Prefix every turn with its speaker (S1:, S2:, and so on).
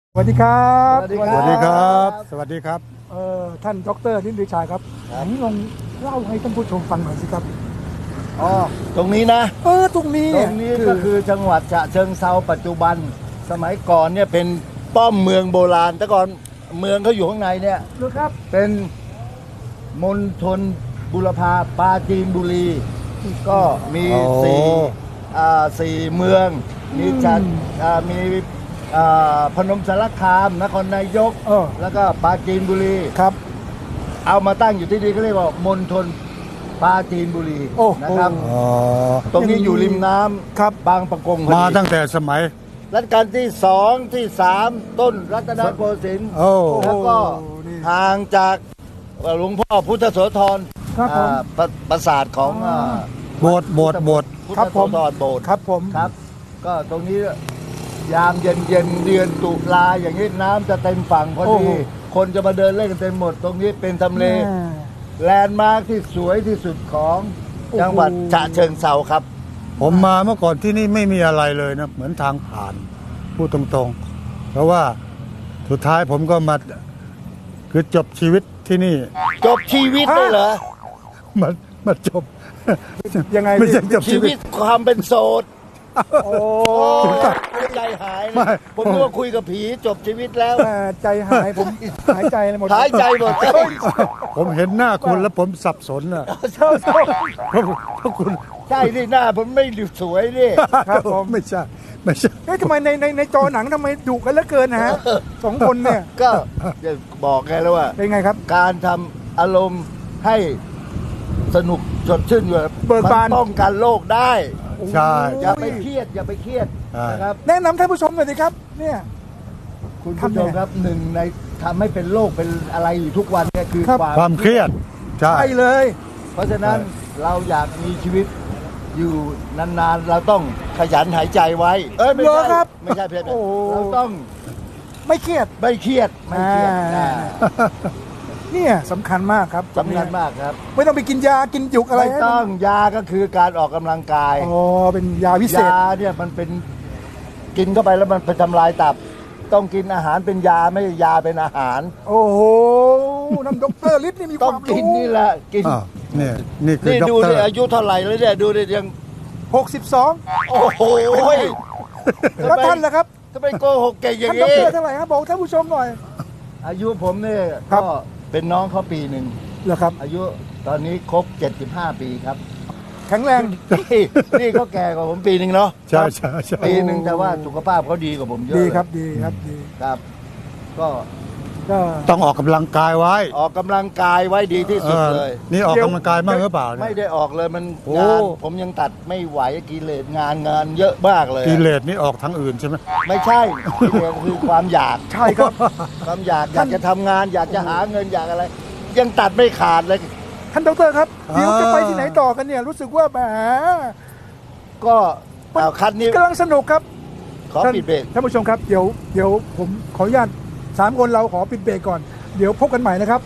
S1: สวัสดีครับ
S2: สวัสดีครับ สวัสดีครับ
S1: ท่านดร.นิติชัยครับผมลองเล่าให้ท่านผู้ชมฟังหน่อยสิครับ
S2: อ๋อ ตรงนี้นะ
S1: ตรงนี้
S2: ตรงนี้ก็คือจังหวัดฉะเชิงเทราปัจจุบัน สมัยก่อนเนี่ยเป็นป้อมเมืองโบราณ แต่ก่อนเมืองเขาอยู่ข้างในเนี่ย
S1: หรือครับ
S2: เป็นมณฑลบุรพาปราจีนบุรี ก็มี
S1: อ๋อ
S2: สี่เมือง มีจัดมีพนมสารคาม นครนายก แล้วก็ปราจีนบุรี
S1: ครับ
S2: เอามาตั้งอยู่ที่นี่เขาเรียกว่ามณฑลปราจีนบุรี
S1: โอ้
S2: นะครับ
S1: โอ้
S2: ตรงนี้อยู่ริมน้ำ
S1: ครับ
S2: บางปะกงพอดี
S3: มาตั้งแต่สมัย
S2: รัชกาลที่สองที่สามต้นรัตนโกสินทร์
S3: โอ้
S2: แล้วก็
S1: นี่
S2: ห่างจากหลวงพ่อพุทธโสธร
S1: ครับผม
S2: ปราสาทของ
S3: โบสถ์โบสถ์
S2: พุท
S1: ครั
S2: ธ
S1: บ
S2: โส
S1: ผม
S2: ธรโบสถ์
S1: ครับผม
S2: ครับ ก็ตรงนี้ยามเย็นๆเดือนตุลาอย่างนี้น้ำจะเต็มฝั่งพอดีคนจะมาเดินเล่นกันเต็มหมด ตรงนี้เป็นทำเล แลนด์มาร์คที่สวยที่สุดของจังหวัดฉะเชิงเทราครับ
S3: ผมมาเมื่อก่อนที่นี่ไม่มีอะไรเลยนะ เหมือนทางผ่านพูดตรงๆ เพราะว่าสุดท้ายผมก็มาคือจบชีวิตที่นี่
S2: จบชีวิตเลยเหรอ
S3: มาจบ
S1: ยังไง
S3: ไม่ใช่จบ
S2: ชี
S3: ชีวิ
S2: วิ
S3: ต
S2: ตความเป็นโสด
S1: โอ้
S2: ใจหาย
S3: ไม่
S2: นะผมนึกว่าคุยกับผีจบชีวิตแล้ว
S1: ใจหายผมหายใจเลยหมด
S2: หายใจหมด
S3: ผมเห็นหน้าคุณแล้วผมสับสนอ่ะเพราะคุณ
S2: ใช่นี่หน้าผมไม่สวยนี่
S1: ครับผม
S3: ไม่ใช่
S1: ทำไมในจอหนังทำไมดุกันเหลือเกินนะฮะสองคนเนี่ย
S2: ก็จะบอกไงแล้วว่า
S1: เป็นไงครับ
S2: การทำอารมณ์ให้สนุกสดชื่นอยู่
S1: เบิกบาน
S2: มัป้องกันโรคได้
S3: ใช่
S2: อย่าไปเครียดอย่าไปเครียด
S3: ใช่
S2: นะครับ
S1: แนะนำท่านผู้ชมหน่อยสิครับ เนี่ย
S2: คุณ
S1: ทำ
S2: ผู้
S1: ไง
S2: ชมครับหนึ่งในทำให้เป็นโรคเป็นอะไรอยู่ทุกวันเนี่ยคือ
S1: ครับ
S3: ความเครียด ใช่
S1: ใช่เลย
S2: เพราะฉะนั้นเราอยากมีชีวิตอยู่นานๆ เราต้องขยันหายใจไว้ ไม่
S1: เหรอ
S2: ใช่
S1: ครับ
S2: ไม่ใช่เพื่อน
S1: โอ้
S2: เราต้อง
S1: ไม่เครียด
S2: ไม่เครียดไม่เครียด
S1: อ่า เนี่ยสำคัญมากครับ
S2: สำคัญมากครับ
S1: ไม่ต้องไปกินยากินจุกอะไร
S2: ไม่ต้องยาก็คือการออกกำลังกาย
S1: อ๋อเป็นยาวิเศษ
S2: ยาเนี่ยมันเป็นกินเข้าไปแล้วมันไปทำลายตับ ต้องกินอาหารเป็นยาไม่ใช่ยาเป็นอาหาร
S1: โอ้โหน้ำดรฤทธิ์นี่มีค
S2: ต้อ
S1: วาง ม
S2: กิน
S1: รู้
S2: นี่แหละกิน
S3: อ้าวนี่คือ
S2: นี่
S3: ด็อก
S2: ดู
S3: เตอ
S2: ดิ
S3: ร์
S2: อายุเท่าไหร่แล้วเนี่ยดูดิยัง
S1: 62
S2: โอ้โห
S1: แล้วท่านล่ะครับ
S2: ทำไมโกหกเก่งอย่าง
S1: ท่านด
S2: นี้
S1: รเท่าไหร่ครับบอกท่านผู้ชมหน่อย
S2: อายุผมเนี่ย
S1: ครั
S2: ก็
S1: บ
S2: เป็นน้องเขาปีหนึ่ง
S1: เหรอครับ
S2: อายุตอนนี้ครบ 75 ปีครับ
S1: แข็งแรง
S2: นี่เขาแก่กว่าผมปีหนึ่งเนาะ
S3: ใช่ใช่ใช่
S2: ปีหนึ่งแต่ว่าสุขภาพเขาดีกว่าผมเยอะ
S1: ดีครับดีครับดี
S2: ครับ ก็
S1: ก็
S3: ต้องออกกำลังกายไว้
S2: ออกกำลังกายไว้ดีที่สุดเลย
S3: นี่ออกกำลังกายมากหรือเปล่าเนี่ย
S2: ไม่ได้ออกเลยมัน
S3: โอ้
S2: งานผมยังตัดไม่ไหวกิเลสงานเยอะมากเลย
S3: กิเลสนี่ออกทางอื่นใช่ไหม
S2: ไม่ใช่กิเลสคือความอยาก
S1: ใช่ครับ
S2: ความอยากอยากจะทำงาน อยากจะหาเงินอยากอะไร ยังตัดไม่ขาดเลย
S1: ท่านดรครับเดี๋ยวจะไปที่ไหนต่อกันเนี่ยรู้สึกว่าแหม
S2: ก็เอาคัดนี้
S1: กำลังสนุกครับ
S2: ขอปิดเบรก
S1: ท่านผู้ชมครับเดี๋ยวผมขออนุญาต3 คนเราขอปิดเบรกก่อนเดี๋ยวพบกันใหม่นะครับ